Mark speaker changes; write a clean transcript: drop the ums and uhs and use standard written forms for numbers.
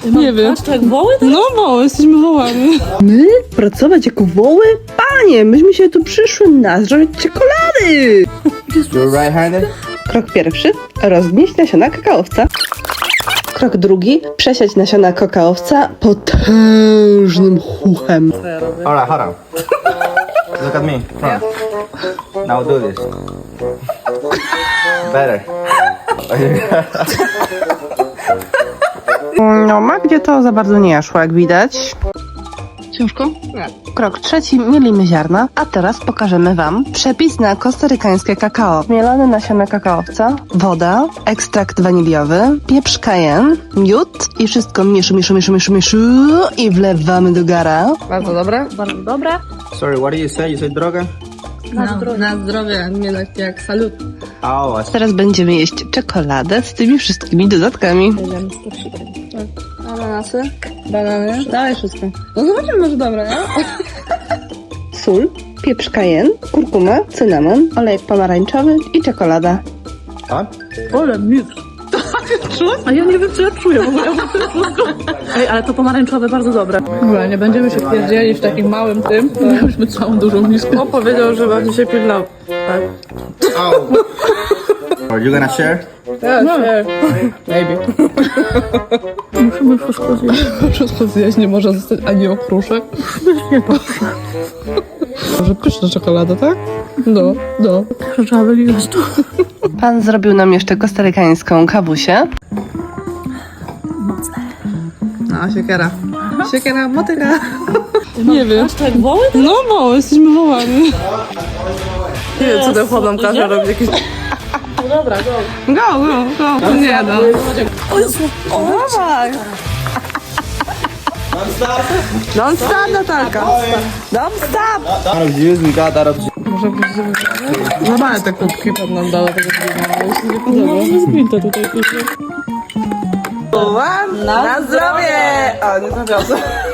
Speaker 1: Nie wiem.
Speaker 2: Patrz, jak woły?
Speaker 1: No woły, jesteśmy wołami.
Speaker 3: My? Pracować jako woły? Panie, myśmy się tu przyszły nażreć czekolady!
Speaker 4: You're right-handed?
Speaker 3: Krok pierwszy. Rozgnieść nasiona kakaowca. Krok drugi. Przesiać nasiona kakaowca potężnym chuchem.
Speaker 4: Alright, hold on. Look at me, front. Now do this. Better.
Speaker 3: No, Magdzie to za bardzo nie szło, jak widać.
Speaker 1: Ciężko?
Speaker 3: Krok trzeci. Mielimy ziarna. A teraz pokażemy wam przepis na kostarykańskie kakao. Mielone nasiona kakaowca, woda, ekstrakt waniliowy, pieprz cayenne, miód i wszystko mieszu i wlewamy do gara.
Speaker 1: Bardzo dobre.
Speaker 2: Bardzo dobra.
Speaker 4: Sorry, what did you say? You said droga?
Speaker 1: Na zdrowie, nie tak jak salut.
Speaker 4: Oh,
Speaker 3: Teraz będziemy jeść czekoladę z tymi wszystkimi dodatkami.
Speaker 1: Ananasy, banany, dawaj wszystko. No zobaczymy, może dobre, nie?
Speaker 3: Sól, pieprz cayenne, kurkuma, cynamon, olejek pomarańczowy i czekolada.
Speaker 2: Ole, miód. A ja nie wiem, co ja czuję w ogóle. Ej, ale to pomarańczowe bardzo dobre.
Speaker 1: Dobra, nie będziemy się pierdzieli w takim małym tym. Mieliśmy całą dużą miskę. On powiedział, że będzie się pilnał. Tak.
Speaker 4: Are you gonna share?
Speaker 1: Tak, maybe.
Speaker 2: Musimy wszystko zjeść.
Speaker 1: Wszystko zjeść, nie może zostać ani okruszek.
Speaker 2: Nie patrzę.
Speaker 1: Może pyszna czekolada, tak? No.
Speaker 2: Trzeba wyliwać to.
Speaker 3: Pan zrobił nam jeszcze kostarykańską kawusię.
Speaker 1: No, siekiera. Siekiera, motyka. Nie wiem.
Speaker 2: Patrz, jak woły?
Speaker 1: No woły, jesteśmy wołami. Nie wiem, co ten chłop nam każe
Speaker 2: Idziemy?
Speaker 1: robić jakieś...
Speaker 2: No dobra, go.
Speaker 1: Go. Nie no.
Speaker 3: Dawaj! Don't stop, Natalka! Don't stop!
Speaker 4: Out of juice, we got out of juice.
Speaker 1: Może być złamane te kubki, pan nam dała tego zbiegania, ale się nie podoba.
Speaker 2: No, zgwinta tutaj.
Speaker 3: Na zdrowie! O, nie zawiozę.